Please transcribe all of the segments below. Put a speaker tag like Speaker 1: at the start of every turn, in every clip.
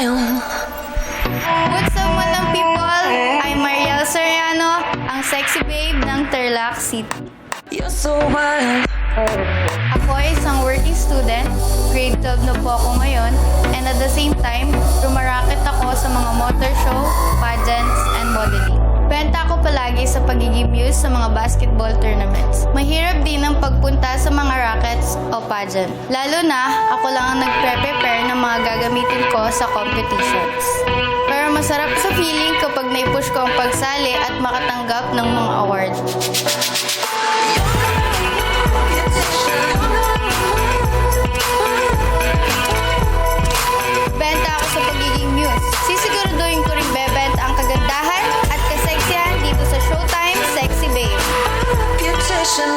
Speaker 1: wild.
Speaker 2: What's up, madam people? I'm Mariel Soriano, ang sexy babe ng Tarlac City.
Speaker 1: You're so wild.
Speaker 2: Ako ay isang working student, grade 12 na po ako ngayon, and at the same time, rumaraket ako sa mga motor show, pageants, and modeling. Benta ako palagi sa pagiging muse sa mga basketball tournaments. Mahirap din ang pagpunta sa mga rackets o pageant. Lalo na, ako lang ang nagpre-prepare ng mga gagamitin ko sa competitions. Pero masarap sa feeling kapag naipush ko ang pagsali at makatanggap ng mga award. Benta ako sa pagiging muse. Sisiguraduhin ko rin bebenta ang kagandahan at kaseksihan dito sa Showtime Sexy Babe.
Speaker 1: Beautician.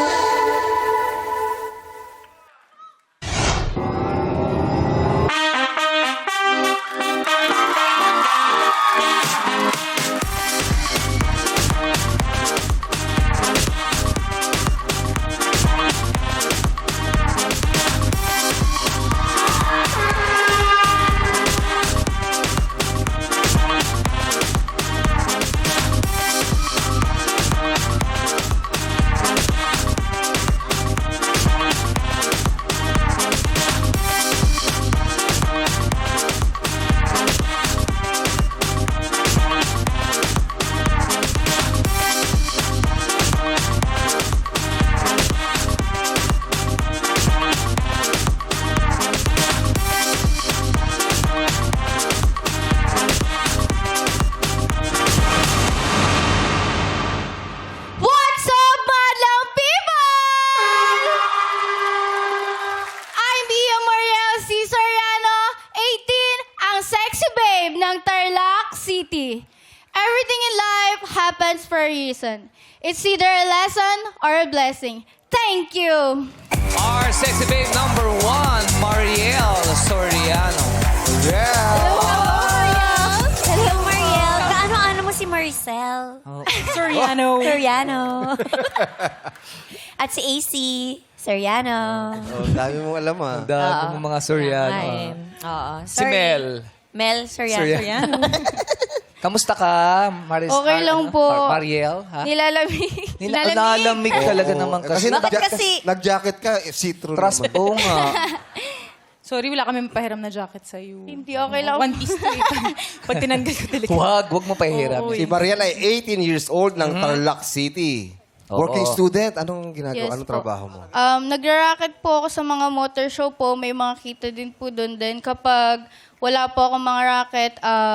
Speaker 2: What's up, madlang people? I'm Ia Mariel C. Soriano, 18, ang sexy babe ng Tarlac City. Everything in life happens for a reason. It's either a lesson or a blessing. Thank you.
Speaker 3: Our sexy babe number 1, Mariel Soriano.
Speaker 4: Hello, Mariel. Kaano-ano mo si Maricel?
Speaker 5: Soriano.
Speaker 4: Soriano. At si AC. Soriano.
Speaker 6: Oh, dami mong alam ah.
Speaker 3: Dami mo mga Soriano.
Speaker 4: Ay, oo.
Speaker 3: Si Mel.
Speaker 4: Mel Soriano.
Speaker 3: Kamusta ka, Maris?
Speaker 2: Okay lang po.
Speaker 3: Mariel, ha?
Speaker 2: Nilalamig.
Speaker 3: Nilalamig talaga naman kasi.
Speaker 6: Kasi,
Speaker 4: Bakit kasi-
Speaker 6: nag-jacket ka, see-through
Speaker 3: Trust,
Speaker 6: naman.
Speaker 3: oo nga.
Speaker 5: Sorry, wala kami pahiram na jacket sa'yo.
Speaker 2: Hindi, okay lang.
Speaker 5: One piece to eh. Pag tinanggal ko talaga.
Speaker 3: Wag mo pahiram.
Speaker 5: Oo,
Speaker 6: Si Mariel ay 18 years old ng Tarlac City.
Speaker 3: Oo.
Speaker 6: Working student. Anong ginagawa?
Speaker 2: Yes
Speaker 6: Anong
Speaker 2: po.
Speaker 6: trabaho mo?
Speaker 2: Nagra-racket po ako sa mga motor show po. May mga kita din po doon din. Kapag wala po akong mga racket,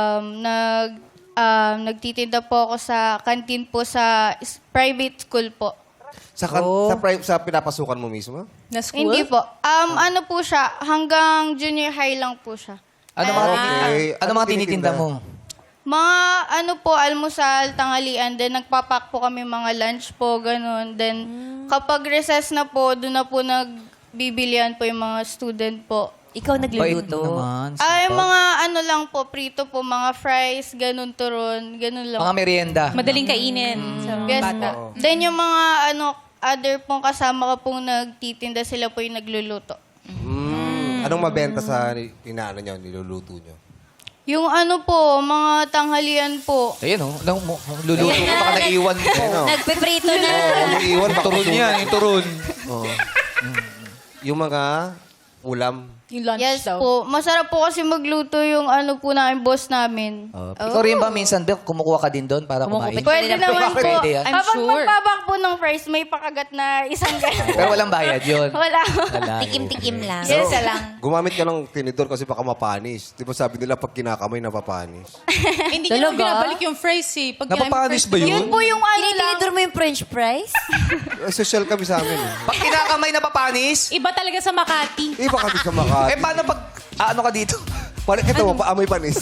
Speaker 2: nagtitinda po ako sa canteen po sa private school po.
Speaker 6: Sa pinapasukan mo mismo?
Speaker 5: Na school?
Speaker 2: Hindi po. Ano po siya, hanggang junior high lang po siya.
Speaker 3: Ano mga,
Speaker 6: Okay.
Speaker 3: ano mga tinitinda mo?
Speaker 2: Mga ano po, almusal, tanghalian, then nagpapak po kami mga lunch po, ganun. Then kapag recess na po, doon na po nagbibilian po yung mga student po.
Speaker 4: Ikaw
Speaker 3: Bait
Speaker 4: nagluluto.
Speaker 3: mo naman.
Speaker 2: Ay,
Speaker 3: sipag.
Speaker 2: mga ano lang po, prito po, mga fries, ganun turon, ganun lang.
Speaker 3: Mga merienda.
Speaker 5: Madaling kainin sa mga
Speaker 2: Yes
Speaker 5: bata.
Speaker 2: po. Then yung mga other pong kasama ko pong nagtitinda, sila po yung nagluluto.
Speaker 6: Anong mabenta sa inaano nyo, niluluto nyo?
Speaker 2: Yung ano po, mga tanghalian po.
Speaker 3: Ayun, luluto ko baka naiwan mo.
Speaker 6: Ano?
Speaker 4: Nagpiprito na.
Speaker 6: Yung iwan, baka
Speaker 3: Turun yan, yung turun.
Speaker 6: Oo. Yung mga ulam.
Speaker 5: Yung lunch
Speaker 2: Yes
Speaker 5: daw.
Speaker 2: po. Masarap po kasi magluto yung ano po namin, boss namin.
Speaker 3: Ikaw rin ba minsan, Bel, kumukuha ka din doon para kumain?
Speaker 2: Pwede naman po.
Speaker 3: Pwede yan.
Speaker 5: I'm
Speaker 2: Kapag
Speaker 5: sure.
Speaker 2: magpabak po ng fries, may pakagat na isang ganun.
Speaker 3: Pero walang bayad yun.
Speaker 2: Wala.
Speaker 3: Wala.
Speaker 4: Tikim-tikim lang.
Speaker 2: Yes, lang.
Speaker 6: Gumamit ka ng tinidor kasi baka mapanis. Di ba sabi nila pag kinakamay, napapanis?
Speaker 5: Hindi niya naman
Speaker 4: Talaga?
Speaker 5: binabalik yung fries eh. Pag
Speaker 3: Napapanis ba yun?
Speaker 2: Yun po yung ano lang.
Speaker 4: Tinitinidor mo yung french fries?
Speaker 6: Social kami sa amin.
Speaker 3: Pag kinakamay na papanis,
Speaker 5: Iba talaga sa Makati.
Speaker 6: Eh, baka di sa Makati.
Speaker 3: paano pag, ano ka dito?
Speaker 6: Ito, paamoy panis.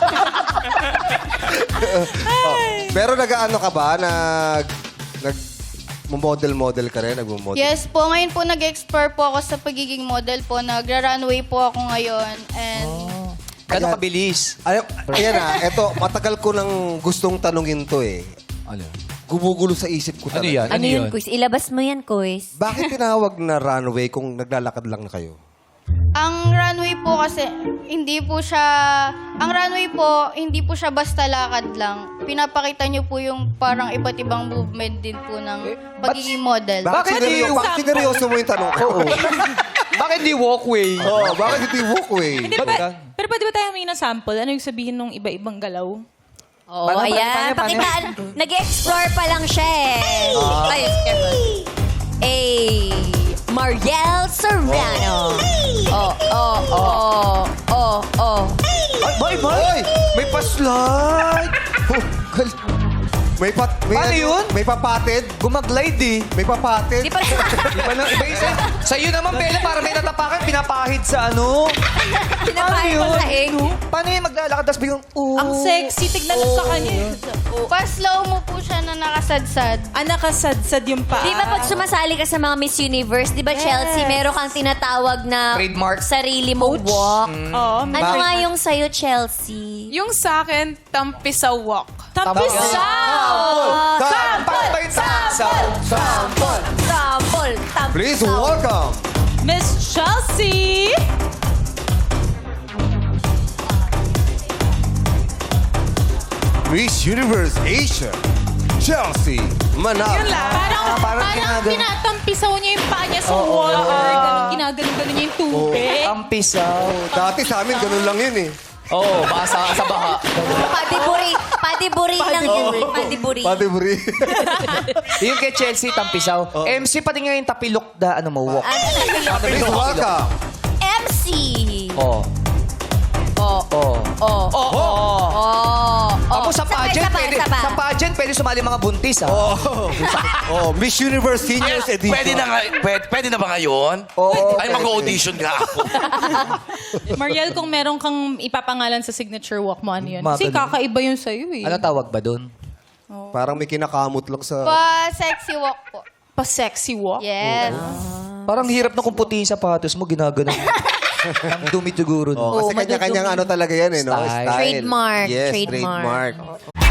Speaker 6: Pero nag-ano ka ba? Model ka rin? Nag-model?
Speaker 2: Yes po. Ngayon po nag-explore po ako sa pagiging model po. Nagra-runway po ako ngayon. And
Speaker 3: Gano'ng kabilis?
Speaker 6: Ayan na, eto, matagal ko nang gustong tanungin to eh.
Speaker 3: Ano?
Speaker 6: Gumugulo sa isip ko
Speaker 3: Ano
Speaker 6: talaga.
Speaker 3: yan?
Speaker 4: Ano yun, Kuis? Ilabas mo yan, Kuis.
Speaker 6: Bakit tinawag na runway kung naglalakad lang na kayo?
Speaker 2: Ang runway po kasi, ang runway po, hindi po siya basta lakad lang. Pinapakita niyo po yung parang iba't ibang movement din po ng pagiging model.
Speaker 6: Bakit sineryoso mo yung tanong ko?
Speaker 3: Bakit di walkway?
Speaker 6: Oo, bakit hindi walkway?
Speaker 5: Hindi ba, pero pwede ba tayo humingi ng sample? Ano yung sabihin ng iba-ibang galaw?
Speaker 4: Oo, ayan. Pakitaan. Nag-explore pa lang siya eh. Ay, Mariel Serrano.
Speaker 6: Ay, may pa-slide!
Speaker 3: Paano yun?
Speaker 6: May papatid?
Speaker 3: Gumaglide eh.
Speaker 6: May papatid?
Speaker 4: Di pa
Speaker 3: Iba na, iba yung sa'yo naman, Bella, para may natapakan, pinapahid sa ano.
Speaker 4: pinapahid ko sa egg.
Speaker 3: Paano yung maglalakad, tapos biglang,
Speaker 5: Ang sexy. Tignan mo sa kanya.
Speaker 2: Pa-slow mo po siya na nakasadsad.
Speaker 5: Nakasadsad yung paa.
Speaker 4: Di ba pag sumasali ka sa mga Miss Universe, di ba Chelsea, meron kang tinatawag na
Speaker 3: Trademark.
Speaker 4: sarili mong walk.
Speaker 5: Oo.
Speaker 4: Ano nga yung sa'yo, Chelsea?
Speaker 7: Yung sa akin, tampisaw walk.
Speaker 5: Tampisaw!
Speaker 6: Sample!
Speaker 4: Sample! Sample!
Speaker 6: Please welcome!
Speaker 5: Miss Chelsea!
Speaker 6: Miss Universe Asia, Chelsea Manalo.
Speaker 5: Parang tinatampisaw niya yung paa niya sa water. Ginaganon-ganon niya yung tubig.
Speaker 3: Tampisaw.
Speaker 6: Dati sa amin, ganun lang yun eh.
Speaker 3: Oo, baka sa baha.
Speaker 4: Padiburi. Padiburi lang yun. Padiburi.
Speaker 6: Pati buri.
Speaker 3: Yung kay Chelsea, tampisaw. MC, pati nga yung tapilok na ano mo, walk.
Speaker 6: Please welcome.
Speaker 4: MC.
Speaker 3: Oo. Ako sa pageant, sa pageant, pwede sumali mga buntis, ha?
Speaker 6: Oh, Miss Universe Seniors Edition.
Speaker 8: Pwede na ba ngayon?
Speaker 6: Oo,
Speaker 8: Ay,
Speaker 6: pwede.
Speaker 8: mag-audition nga ako.
Speaker 5: Mariel, kung meron kang ipapangalan sa signature walk mo, ano yun?
Speaker 3: Mga
Speaker 5: Kasi
Speaker 3: ganun.
Speaker 5: kakaiba yun sa'yo eh.
Speaker 3: Ano tawag ba dun?
Speaker 6: Parang may kinakamot lang sa...
Speaker 2: Pa-sexy walk po.
Speaker 5: Pa-sexy walk?
Speaker 2: Yes.
Speaker 3: Parang hirap na kung puti yung sapatos mo, ginaganon. Ang dumi siguro.
Speaker 6: Oh, kasi kanya-kanyang ano talaga yan eh, no?
Speaker 3: Style.
Speaker 4: Trademark.
Speaker 6: Yes,
Speaker 4: Trademark.
Speaker 6: trademark.